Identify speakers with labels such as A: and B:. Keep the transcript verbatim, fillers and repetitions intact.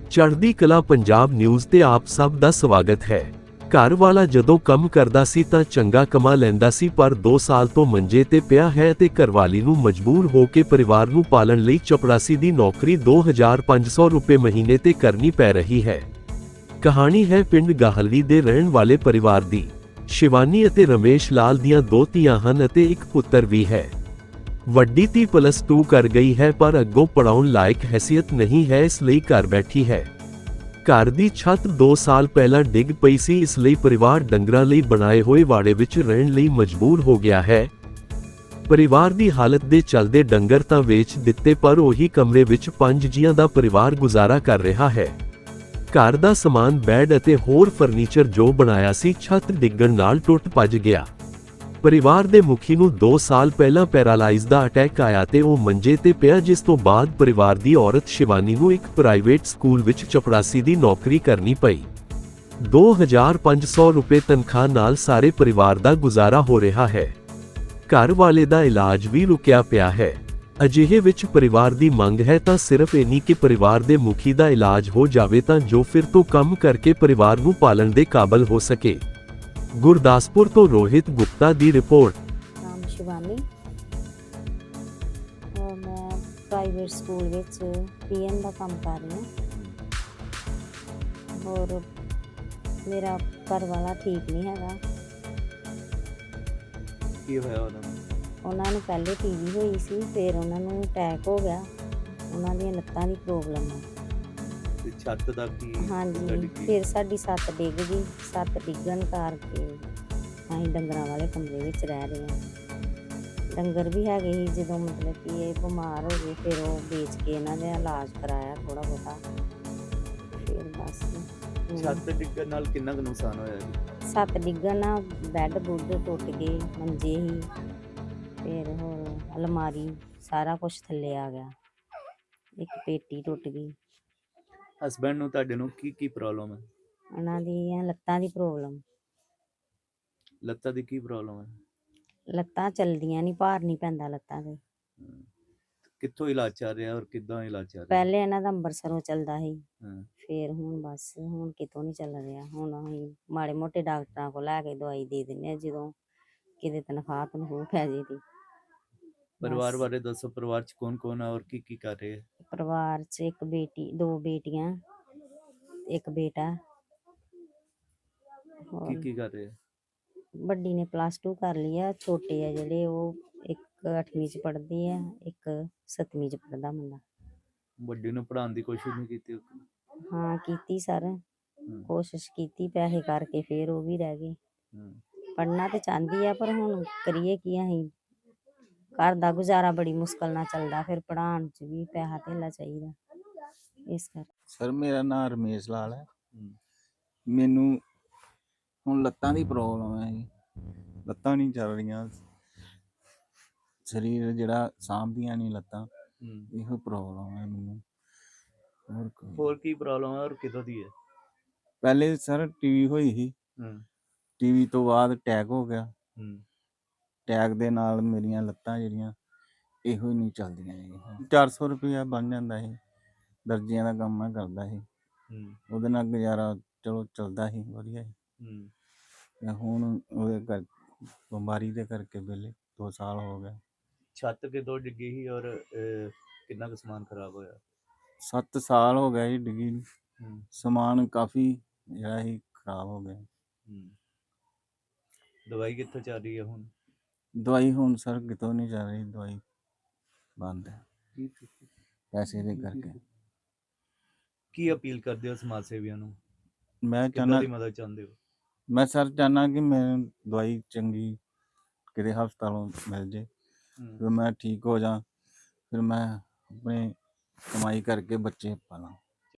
A: ਚੜ੍ਹਦੀ ਕਲਾ ਪੰਜਾਬ ਨਿਊਜ਼ ਤੇ ਆਪ ਸਭ ਦਾ ਸਵਾਗਤ ਹੈ। ਘਰ ਵਾਲਾ ਜਦੋਂ ਕੰਮ ਕਰਦਾ ਸੀ ਤਾਂ ਚੰਗਾ ਕਮਾ ਲੈਂਦਾ ਸੀ, ਪਰ ਦੋ ਸਾਲ ਤੋਂ ਮੰਜੇ ਤੇ ਪਿਆ ਹੈ ਤੇ ਘਰਵਾਲੀ ਨੂੰ ਮਜਬੂਰ ਹੋ ਕੇ ਪਰਿਵਾਰ ਨੂੰ ਪਾਲਣ ਲਈ ਚਪੜਾਸੀ ਦੀ ਨੌਕਰੀ ਦੋ ਹਜ਼ਾਰ ਪੰਜ ਸੌ ਰੁਪਏ ਮਹੀਨੇ ਤੇ ਕਰਨੀ ਪੈ ਰਹੀ ਹੈ। ਕਹਾਣੀ ਹੈ ਪਿੰਡ ਗਾਹਲਵੀ ਦੇ ਰਹਿਣ ਵਾਲੇ ਪਰਿਵਾਰ ਦੀ। ਸ਼ਿਵਾਨੀ ਅਤੇ ਰਮੇਸ਼ ਲਾਲ ਦੀਆਂ ਦੋ ਧੀਆਂ ਹਨ ਅਤੇ ਇੱਕ ਪੁੱਤਰ ਵੀ ਹੈ। ਵੱਡੀ ਧੀ ਪਲੱਸ ਟੂ ਕਰ ਗਈ ਹੈ, ਪਰ ਅੱਗੋਂ ਪੜਾਉਣ ਲਾਇਕ ਹੈਸੀਅਤ ਨਹੀਂ ਹੈ, ਇਸ ਲਈ ਘਰ ਬੈਠੀ ਹੈ। ਘਰ ਦੀ ਛੱਤ ਦੋ ਸਾਲ ਪਹਿਲਾਂ ਡਿੱਗ ਪਈ ਸੀ, ਇਸ ਲਈ ਪਰਿਵਾਰ ਡੰਗਰਾਂ ਲਈ ਬਣਾਏ ਹੋਏ ਵਾੜੇ ਵਿੱਚ ਰਹਿਣ ਲਈ ਮਜਬੂਰ ਹੋ ਗਿਆ ਹੈ। ਪਰਿਵਾਰ ਦੀ ਹਾਲਤ ਦੇ ਚੱਲਦੇ ਡੰਗਰ ਤਾਂ ਵੇਚ ਦਿੱਤੇ, ਪਰ ਉਹੀ ਕਮਰੇ ਵਿੱਚ ਪੰਜ ਜੀਆਂ ਦਾ ਪਰਿਵਾਰ ਗੁਜ਼ਾਰਾ ਕਰ ਰਿਹਾ ਹੈ। ਘਰ ਦਾ ਸਮਾਨ, ਬੈੱਡ ਅਤੇ ਹੋਰ ਫਰਨੀਚਰ ਜੋ ਬਣਾਇਆ ਸੀ, ਛੱਤ ਡਿੱਗਣ ਨਾਲ ਟੁੱਟ ਭੱਜ ਗਿਆ। ਪਰਿਵਾਰ ਦੇ ਮੁਖੀ ਨੂੰ ਦੋ ਸਾਲ ਪਹਿਲਾਂ ਪੈਰਾਲਾਈਜ਼ ਦਾ ਅਟੈਕ ਆਇਆ ਤੇ ਉਹ ਮੰਜੇ ਤੇ ਪਿਆ, ਜਿਸ ਤੋਂ ਬਾਅਦ ਪਰਿਵਾਰ ਦੀ ਔਰਤ ਸ਼ਿਵਾਨੀ ਨੂੰ ਇੱਕ ਪ੍ਰਾਈਵੇਟ ਸਕੂਲ ਵਿੱਚ ਚਪੜਾਸੀ ਦੀ ਨੌਕਰੀ ਕਰਨੀ ਪਈ। ਦੋ ਹਜ਼ਾਰ ਪੰਜ ਸੌ ਰੁਪਏ ਤਨਖਾਹ ਨਾਲ ਸਾਰੇ ਪਰਿਵਾਰ ਦਾ ਗੁਜ਼ਾਰਾ ਹੋ ਰਿਹਾ ਹੈ। ਘਰ ਵਾਲੇ ਦਾ ਇਲਾਜ ਵੀ ਰੁਕਿਆ ਪਿਆ ਹੈ। ਅਜਿਹੇ ਵਿੱਚ ਪਰਿਵਾਰ ਦੀ ਮੰਗ ਹੈ ਤਾਂ ਸਿਰਫ ਇੰਨੀ ਕਿ ਪਰਿਵਾਰ ਦੇ ਮੁਖੀ ਦਾ ਇਲਾਜ ਹੋ ਜਾਵੇ ਤਾਂ ਜੋ ਫਿਰ ਤੋਂ ਕੰਮ ਕਰਕੇ ਪਰਿਵਾਰ ਨੂੰ ਪਾਲਣ ਦੇ ਕਾਬਲ ਹੋ ਸਕੇ। ਗੁਰਦਾਸਪੁਰ ਤੋਂ ਰੋਹਿਤ ਗੁਪਤਾ ਦੀ ਰਿਪੋर्ट।
B: ਨਾਮ ਸ਼ਿਵਾਨੀ और मैं प्राइवेट स्कूल ਵਿੱਚ ਪੀਐਨ ਦਾ ਕੰਮ ਕਰ ਰਹੀ ਹਾਂ और ਮੇਰਾ ਘਰ ਵਾਲਾ ਠੀਕ ਨਹੀਂ ਹੈਗਾ।
C: ਕੀ ਹੋਇਆ ਉਹਨਾਂ ਨੂੰ?
B: ਉਹਨਾਂ ਨੂੰ ਪਹਿਲੇ ਟੀਵੀ ਹੋਈ ਸੀ, ਫਿਰ ਉਹਨਾਂ ਨੂੰ ਅਟੈਕ ਹੋ ਗਿਆ। ਉਹਨਾਂ ਦੀਆਂ ਲੱਤਾਂ ਦੀ ਪ੍ਰੋਬਲਮ ਹੈ।
C: ਤੇ ਛੱਤ ਦਾ ਕੀ?
B: ਹਾਂਜੀ, ਫਿਰ ਸਾਡੀ ਛੱਤ ਡਿੱਗ ਗਈ। ਛੱਤ ਡਿੱਗਣ ਕਰਕੇ ਅਸੀਂ ਡੰਗਰਾਂ ਵਾਲੇ ਕਮਰੇ ਵਿੱਚ ਰਹਿ ਰਹੇ ਹਾਂ। ਡੰਗਰ ਵੀ ਹੈਗੇ ਸੀ, ਜਦੋਂ ਮਤਲਬ ਕਿ ਇਹ ਬਿਮਾਰ ਹੋ ਗਏ ਫਿਰ ਉਹ ਵੇਚ ਕੇ ਇਹਨਾਂ ਦਾ ਇਲਾਜ ਕਰਾਇਆ ਥੋੜਾ ਬਹੁਤਾ। ਫਿਰ ਬਸ
C: ਛੱਤ ਡਿੱਗਣ ਨਾਲ ਕਿੰਨਾ ਕੁ ਨੁਕਸਾਨ ਹੋਇਆ ਜੀ?
B: ਛੱਤ ਡਿੱਗਣ ਨਾਲ ਬੈੱਡ ਬੁੱਡ ਟੁੱਟ ਗਏ, ਮੰਜੇ ਹੀ, ਫਿਰ ਹੋਰ ਅਲਮਾਰੀ, ਸਾਰਾ ਕੁਝ ਥੱਲੇ ਆ ਗਿਆ। ਇੱਕ ਪੇਟੀ ਟੁੱਟ ਗਈ।
C: ਹਸਬੈਂਡ ਨੂੰ ਤੁਹਾਡੇ ਨੂੰ ਕੀ ਕੀ ਪ੍ਰੋਬਲਮ ਹੈ?
B: ਉਹਨਾਂ ਦੀਆਂ ਲੱਤਾਂ ਦੀ ਪ੍ਰੋਬਲਮ।
C: ਲੱਤਾਂ ਦੀ ਕੀ ਪ੍ਰੋਬਲਮ ਹੈ?
B: ਲੱਤਾਂ ਚੱਲਦੀਆਂ ਨਹੀਂ, ਭਾਰ ਨਹੀਂ ਪੈਂਦਾ ਲੱਤਾਂ ਤੇ।
C: ਕਿੱਥੋਂ ਇਲਾਜ ਚੱਲ ਰਿਹਾ ਔਰ ਕਿੱਦਾਂ ਇਲਾਜ ਚੱਲ ਰਿਹਾ?
B: ਪਹਿਲੇ ਇਹਨਾਂ ਦਾ ਅੰਬਰਸਰੋਂ ਚੱਲਦਾ ਸੀ,
C: ਹਾਂ।
B: ਫਿਰ ਹੁਣ ਬਸ ਹੁਣ ਕਿਤੋਂ ਨਹੀਂ ਚੱਲ ਰਿਹਾ। ਹੁਣ ਅਸੀਂ ਮਾੜੇ ਮੋਟੇ ਡਾਕਟਰਾਂ ਕੋਲ ਲੈ ਕੇ ਦਵਾਈ ਦੇ ਦਿੰਦੇ ਹਾਂ, ਜਦੋਂ ਕਿਤੇ ਤਨਖਾਹ ਤਨਖੂਹ ਪੈ ਜੇ ਦੀ।
C: ਪਰਿਵਾਰ ਬਾਰੇ ਦੱਸੋ, ਪਰਿਵਾਰ ਚ ਕੌਣ ਕੌਣ ਹੈ ਔਰ ਕੀ ਕੀ ਕਰ ਰਹੇ ਹੈ?
B: ਪਰਿਵਾਰ 'ਚ ਇੱਕ ਬੇਟੀ, ਦੋ ਬੇਟੀਆਂ, ਇੱਕ ਬੇਟਾ।
C: ਕੀ ਕੀ ਕਰ ਰਹੇ ਹੈ?
B: ਵੱਡੀ ਨੇ ਪਲੱਸ ਟੂ ਕਰ ਲਈ ਆ, ਛੋਟੇ ਆ ਜਿਹੜੇ ਉਹ ਇੱਕ ਅੱਠਵੀਂ 'ਚ ਪੜ੍ਹਦੀ ਆ, ਇੱਕ ਸੱਤਵੀਂ 'ਚ ਪੜ੍ਹਦਾ ਮੁੰਡਾ।
C: ਵੱਡੀ ਨੂੰ ਪੜ੍ਹਾਉਣ ਦੀ ਕੋਸ਼ਿਸ਼ ਨਹੀਂ ਕੀਤੀ?
B: ਹਾਂ ਕੀਤੀ ਸਰ, ਕੋਸ਼ਿਸ਼ ਕੀਤੀ, ਪੈਸੇ ਕਰਕੇ ਫਿਰ ਉਹ ਵੀ ਰਹਿ ਗਏ। ਪੜ੍ਹਨਾ ਤੇ ਚਾਹੁੰਦੀ ਆ, ਪਰ ਹੁਣ ਕਰੀਏ ਕੀ ਅਸੀਂ? ਘਰ ਦਾ ਗੁਜ਼ਾਰਾ ਬੜੀ ਮੁਸ਼ਕਲ ਨਾਲ ਚੱਲਦਾ, ਫਿਰ ਪੜ੍ਹਾਉਣ 'ਚ ਵੀ ਪੈਸਾ ਧੇਲਾ ਚਾਹੀਦਾ, ਇਸ ਕਰਕੇ।
D: ਸਰ ਮੇਰਾ ਨਾਮ ਰਮੇਸ਼ ਲਾਲ ਹੈ। ਮੈਨੂੰ ਹੁਣ ਲੱਤਾਂ ਦੀ ਪ੍ਰੋਬਲਮ ਹੈ ਜੀ, ਲੱਤਾਂ ਨਹੀਂ ਚੱਲ ਰਹੀਆਂ, ਸਰੀਰ ਜਿਹੜਾ ਸਾਂਭਦੀਆਂ ਨਹੀਂ ਲੱਤਾਂ, ਇਹੋ ਪ੍ਰੋਬਲਮ ਹੈ ਮੈਨੂੰ। ਹੋਰ
C: ਹੋਰ ਕੀ ਪ੍ਰੋਬਲਮ ਹੈ ਔਰ ਕਿਦੋਂ ਦੀ ਹੈ?
D: ਪਹਿਲੇ ਸਰ ਟੀਵੀ ਹੋਈ ਸੀ, ਟੀਵੀ ਤੋਂ ਬਾਅਦ ਅਟੈਕ ਹੋ ਗਿਆ। ਅਟੈਕ ਦੇ ਨਾਲ ਮੇਰੀਆਂ ਲੱਤਾਂ ਜਿਹੜੀਆਂ ਇਹੋ ਹੀ ਨਹੀਂ ਚੱਲਦੀਆਂ ਜੀ। ਚਾਰ ਸੌ ਰੁਪਇਆ ਬਣ ਜਾਂਦਾ ਸੀ, ਦਰਜੀਆਂ ਦਾ ਕੰਮ ਮੈਂ ਕਰਦਾ ਸੀ, ਉਹਦੇ ਨਾਲ ਗੁਜ਼ਾਰਾ ਚਲੋ ਚੱਲਦਾ ਸੀ ਵਧੀਆ ਸੀ। ਹੁਣ ਉਹਦੇ ਕਰ ਬਿਮਾਰੀ ਦੇ ਕਰਕੇ ਵੇਲੇ ਦੋ ਸਾਲ ਹੋ ਗਏ।
C: ਛੱਤ ਕਿਦੋਂ ਡਿੱਗੀ ਸੀ ਔਰ ਕਿੰਨਾ ਕੁ ਸਮਾਨ ਖਰਾਬ ਹੋਇਆ?
D: ਸੱਤ ਸਾਲ ਹੋ ਗਏ ਜੀ ਡਿੱਗੀ ਨੂੰ। ਸਮਾਨ ਕਾਫੀ ਜਿਹੜਾ ਸੀ ਖਰਾਬ ਹੋ ਗਿਆ।
C: ਦਵਾਈ ਕਿੱਥੋਂ ਚੱਲ ਰਹੀ ਹੈ ਹੁਣ?
D: ਦਵਾਈ ਹੁਣ ਸਰ ਕਿਤੋਂ ਨਹੀਂ ਚੱਲ ਰਹੀ, ਦਵਾਈ ਬੰਦ ਹੈ ਪੈਸੇ ਦੇ ਕਰਕੇ।
C: ਕੀ ਅਪੀਲ ਕਰਦੇ ਹੋ ਸਮਾਜ ਸੇਵੀਆਂ ਨੂੰ?
D: ਮੈਂ
C: ਕਿੰਨਾ
D: ਚਾਹੁੰਦਾ
C: ਦੀ ਮਦਦ ਚਾਹੁੰਦੇ ਹੋ?
D: ਮੈਂ ਸਰ ਚਾਹੁੰਦਾ ਕਿ ਮੈਨੂੰ ਦਵਾਈ ਚੰਗੀ ਕਿਤੇ ਹਸਪਤਾਲੋਂ ਮਿਲ ਜੇ, ਫਿਰ ਮੈਂ ਠੀਕ ਹੋ ਜਾ, ਫਿਰ ਮੈਂ ਆਪਣੇ ਕਮਾਈ ਕਰਕੇ ਬੱਚੇ ਪਾਲਾਂ।